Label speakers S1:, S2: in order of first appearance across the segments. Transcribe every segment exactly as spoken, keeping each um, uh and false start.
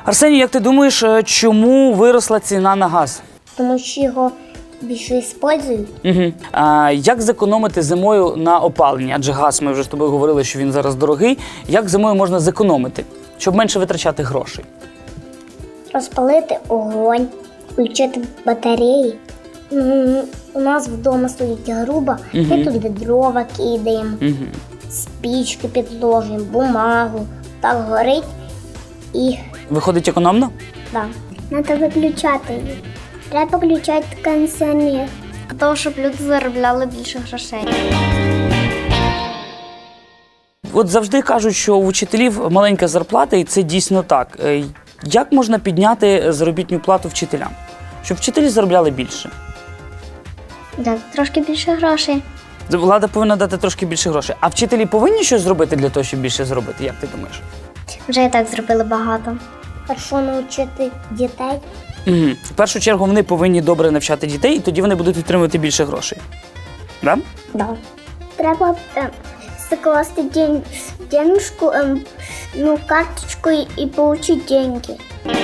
S1: Арсеній, як ти думаєш, чому виросла ціна на газ?
S2: Тому що його більше використовують.
S1: Угу. А як зекономити зимою на опаленні? Адже газ, ми вже з тобою говорили, що він зараз дорогий. Як зимою можна зекономити, щоб менше витрачати грошей?
S2: Розпалити огонь, включити батареї. М, У нас вдома стоїть груба,
S1: Мгм.
S2: ми туди дрова кидаємо,
S1: Угу.
S2: спічки підложимо, бумагу. Так горить і
S1: Виходить економно?
S2: да. Треба виключати її. Треба включати кондиціонер. Для того, щоб люди заробляли більше грошей.
S1: От завжди кажуть, що у вчителів маленька зарплата, і це дійсно так. Е, Як можна підняти заробітну плату вчителям? Щоб вчителі заробляли більше?
S2: Дати трошки більше грошей.
S1: Влада повинна дати трошки більше грошей. А вчителі повинні щось зробити для того, щоб більше зробити? Як ти думаєш?
S2: Вже і так зробили багато. Хорошо навчити дітей.
S1: Угу. В першу чергу вони повинні добре навчати дітей, і тоді вони будуть отримувати більше грошей. Да?
S2: Да. Треба е, закласти день, денежку, е, ну, карточку і, і отримати деньги.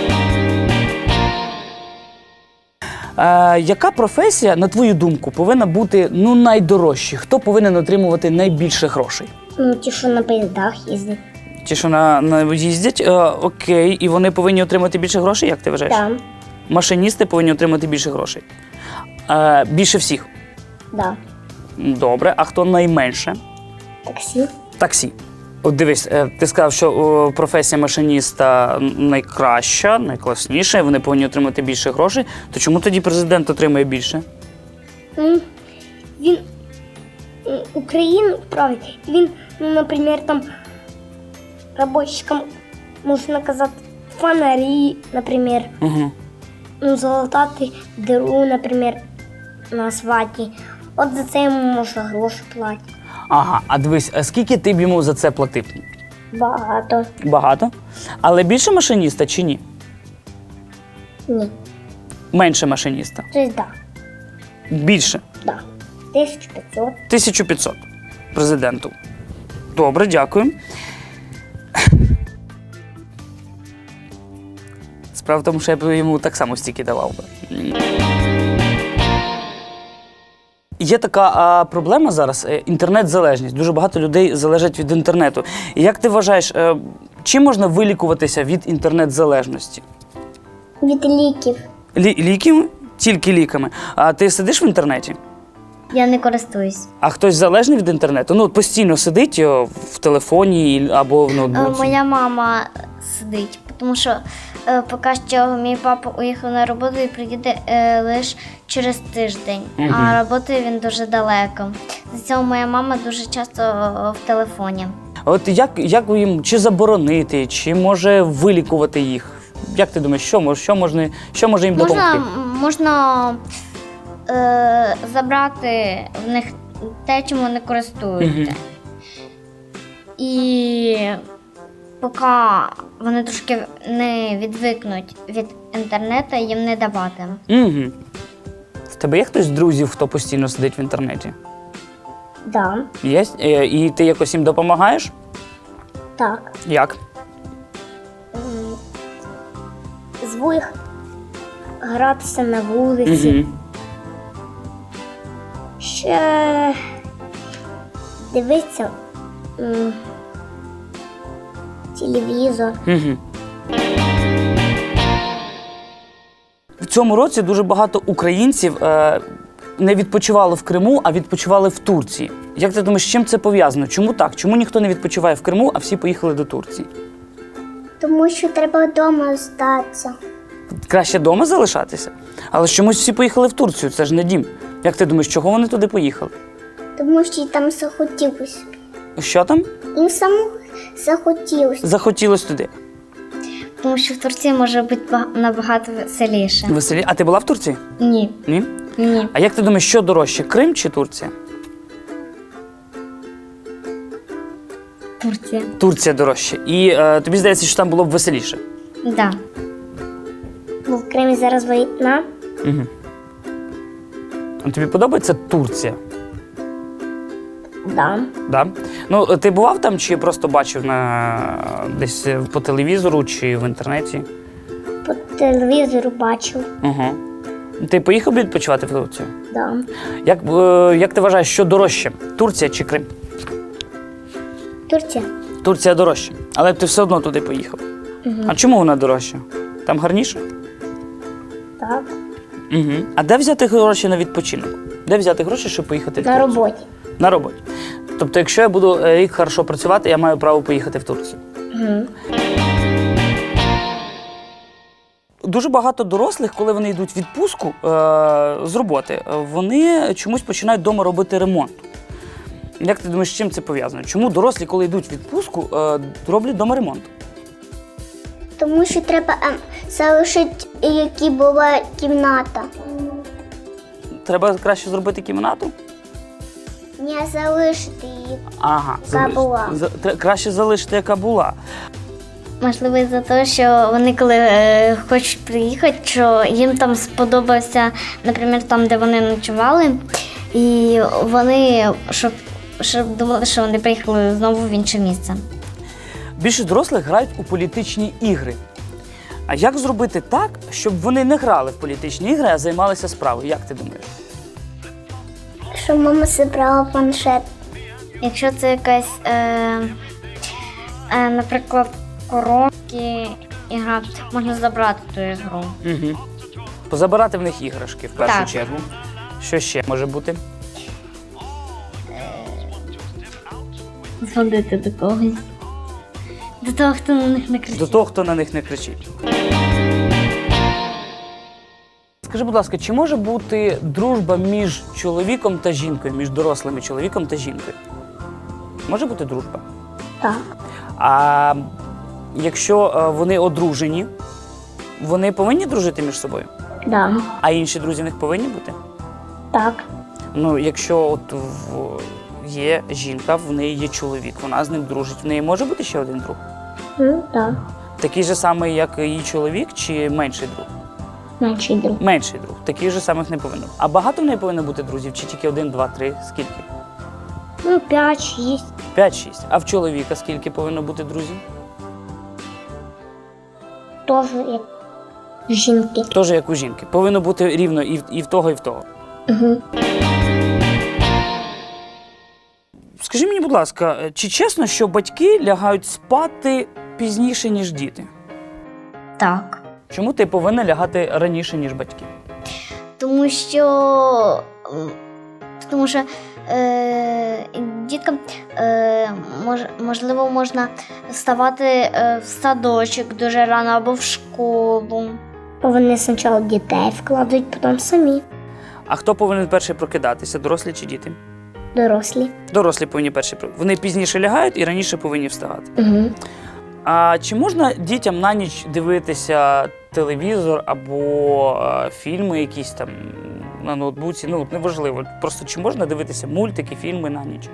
S1: Е, яка професія, на твою думку, повинна бути ну, найдорожчою? Хто повинен отримувати найбільше грошей?
S2: Ну, ті, що на поїздах їздять.
S1: Ті, що на, на їздять, е, окей, і вони повинні отримати більше грошей, як ти вважаєш?
S2: Да.
S1: Машиністи повинні отримати більше грошей. Е, більше всіх.
S2: Да.
S1: Добре, а хто найменше?
S2: Таксі.
S1: Таксі. От дивись, е, ти сказав, що о, професія машиніста найкраща, найкласніша, і вони повинні отримати більше грошей. То чому тоді президент отримує більше?
S2: М, Він м, Україну править. Він, ну, наприклад, там робочикам, можна казати, фонарі, наприклад,
S1: Угу.
S2: ну, залатати диру, наприклад, на асфальті. От за це йому можна гроші платити.
S1: Ага, а дивись, а скільки ти б йому за це платив?
S2: Багато.
S1: Багато. Але більше машиніста чи ні?
S2: Ні.
S1: Менше машиніста?
S2: Тобто, да.
S1: Більше?
S2: Да. тисяча п'ятсот.
S1: тисяча п'ятсот президенту. Добре, дякую. Справа в тому, що я б йому так само стільки давав би. Є така а, проблема зараз – інтернет-залежність. Дуже багато людей залежать від інтернету. І як ти вважаєш, е, чим можна вилікуватися від інтернет-залежності?
S2: Від ліків.
S1: Лі- ліками? Тільки ліками. А ти сидиш в інтернеті?
S2: Я не користуюсь.
S1: А хтось залежний від інтернету? Ну, от постійно сидить о, в телефоні або в ноутбуці?
S2: Моя мама сидить, тому що е, поки що мій папа уїхав на роботу і приїде е, лише через тиждень,
S1: Мгм.
S2: а роботи він дуже далеко. З цього моя мама дуже часто е, в телефоні.
S1: От як, як їм чи заборонити, чи може вилікувати їх? Як ти думаєш, що, мож- що, можна, що може їм
S2: Можна,
S1: допомогти?
S2: можна е, забрати в них те, чим вони користуються.
S1: Мгм.
S2: І поки вони трошки не відвикнуть від інтернету, їм не давати.
S1: Угу. В тебе є хтось з друзів, хто постійно сидить в інтернеті?
S2: Да,
S1: Є? Е, І ти якось їм допомагаєш?
S2: так.
S1: Як?
S2: Зву їх гратися на вулиці.
S1: Угу.
S2: Ще дивитися м, телевізор.
S1: Угу. В цьому році дуже багато українців е, не відпочивало в Криму, а відпочивали в Турції. Як ти думаєш, з чим це пов'язано? Чому так? Чому ніхто не відпочиває в Криму, а всі поїхали до Турції?
S2: Тому що треба вдома остатися.
S1: Краще вдома залишатися? Але ж чомусь всі поїхали в Турцію, це ж не дім. Як ти думаєш, чого вони туди поїхали?
S2: Тому що їй там захотілося.
S1: Що там?
S2: Їм самому захотілося.
S1: Захотілося туди.
S2: Тому що в Турції може бути набагато веселіше.
S1: Веселі. А ти була в Турції?
S2: Ні.
S1: Ні?
S2: Ні.
S1: А як ти думаєш, що дорожче, Крим чи Турція?
S2: Турція.
S1: Турція дорожче. І е, тобі здається, що там було б веселіше?
S2: Так. Да. Бо в Кримі зараз війна.
S1: Угу. А тобі подобається Турція?
S2: Да.
S1: Да? Ну, ти бував там чи просто бачив на... десь по телевізору чи в інтернеті?
S2: по телевізору бачив.
S1: Угу. Ти поїхав би відпочивати в Турцію?
S2: Да.
S1: Як, е, як ти вважаєш, що дорожче? Турція чи Крим?
S2: Турція.
S1: Турція дорожча, але ти все одно туди поїхав.
S2: Угу.
S1: А чому вона дорожча? Там гарніше?
S2: Так.
S1: Угу. А де взяти гроші на відпочинок? Де взяти гроші, щоб поїхати в
S2: На
S1: Турцію?
S2: роботі.
S1: На роботі. Тобто, якщо я буду е, рік хорошо працювати, я маю право поїхати в Турцію.
S2: Угу.
S1: Дуже багато дорослих, коли вони йдуть в відпустку е, з роботи, е, вони чомусь починають вдома робити ремонт. Як ти думаєш, з чим це пов'язано? Чому дорослі, коли йдуть в відпустку, е, роблять вдома ремонт?
S2: Тому що треба ем, залишити, які була кімната.
S1: Треба краще зробити кімнату?
S2: Не залишити її.
S1: Ага,
S2: Яка була.
S1: За- тре- краще залишити, яка була.
S2: Можливо, за те, що вони коли е, хочуть приїхати, що їм там сподобався, наприклад, там, де вони ночували, і вони щоб, щоб думали, що вони приїхали знову в інше місце.
S1: Більшість дорослих грають у політичні ігри. А як зробити так, щоб вони не грали в політичні ігри, а займалися справою? Як ти думаєш?
S2: Що мама зібрала планшет. Якщо це якась, е, е, наприклад, коробки ігра, можна забрати ту ігру.
S1: Угу. Позабирати в них іграшки в першу
S2: Так.
S1: чергу. Що ще може бути?
S2: Згодити до когось. До того, хто на них не кричить.
S1: До того, хто на них не кричить. Скажи, будь ласка, чи може бути дружба між чоловіком та жінкою, між дорослими чоловіком та жінкою? Може бути дружба?
S2: Так.
S1: А якщо е, вони одружені, вони повинні дружити між собою?
S2: Да.
S1: А інші друзі в них повинні бути?
S2: Так.
S1: Ну, якщо от в... є жінка, в неї є чоловік, вона з ним дружить, в неї може бути ще один друг?
S2: Ну, так.
S1: Такий же самий, як її чоловік, чи менший друг?
S2: Менший друг.
S1: Менший друг. Таких же самих не повинно. А багато в неї повинно бути друзів? Чи тільки один, два, три? Скільки?
S2: Ну, п'ять, шість.
S1: П'ять, шість. А в чоловіка скільки повинно бути друзів?
S2: Теж як жінки.
S1: Теж як у жінки. Повинно бути рівно і в, і в того, і в того.
S2: Угу.
S1: Скажи мені, будь ласка, чи чесно, що батьки лягають спати пізніше, ніж діти?
S2: Так.
S1: Чому ти повинна лягати раніше, ніж батьки?
S2: Тому що, м, тому що е, діткам е, мож, можливо можна вставати е, в садочок дуже рано або в школу. Вони спочатку дітей вкладуть, потім самі.
S1: А хто повинен перший прокидатися, дорослі чи діти?
S2: Дорослі.
S1: Дорослі повинні перші прокидатися. Вони пізніше лягають і раніше повинні вставати.
S2: Угу.
S1: А чи можна дітям на ніч дивитися телевізор або е, фільми якісь там на ноутбуці? Ну, неважливо. Просто чи можна дивитися мультики, фільми на ніч?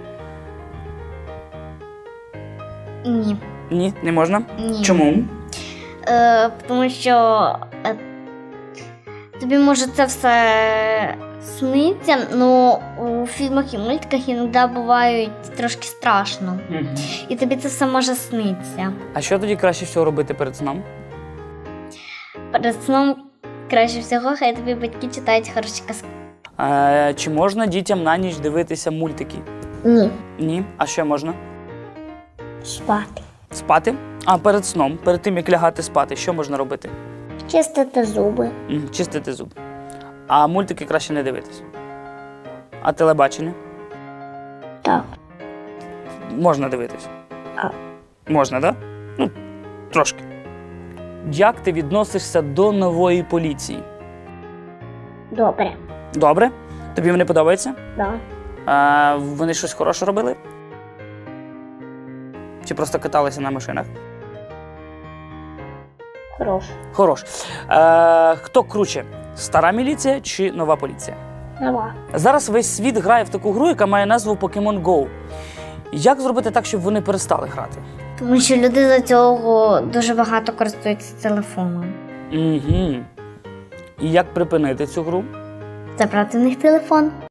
S2: Ні.
S1: Ні, не можна?
S2: Ні.
S1: Чому?
S2: Е, тому що е, тобі може це все сниться, але у фільмах і мультиках іноді бувають трошки страшно.
S1: Угу.
S2: І тобі це все може снитися.
S1: А що тоді краще всього робити перед сном?
S2: Перед сном краще всього, хай тобі батьки читають хороші казки.
S1: Е, чи можна дітям на ніч дивитися мультики?
S2: Ні.
S1: Ні. А що можна?
S2: Спати.
S1: Спати? А перед сном, перед тим як лягати спати, що можна робити?
S2: Чистити зуби.
S1: М, Чистити зуби. А мультики краще не дивитися. А телебачення?
S2: Так.
S1: Можна дивитися.
S2: А.
S1: Можна, так? Да? Ну, трошки. Як ти відносишся до нової поліції?
S2: Добре.
S1: Добре? Тобі вони подобаються?
S2: Да.
S1: А, вони щось хороше робили? Чи просто каталися на машинах?
S2: Хорош.
S1: Хорош. Е, хто круче? Стара міліція чи нова поліція?
S2: Нова.
S1: Зараз весь світ грає в таку гру, яка має назву Pokemon Go. Як зробити так, щоб вони перестали грати?
S2: Тому що люди за цього дуже багато користуються телефоном.
S1: Угу. І як припинити цю гру?
S2: Забрати в них телефон.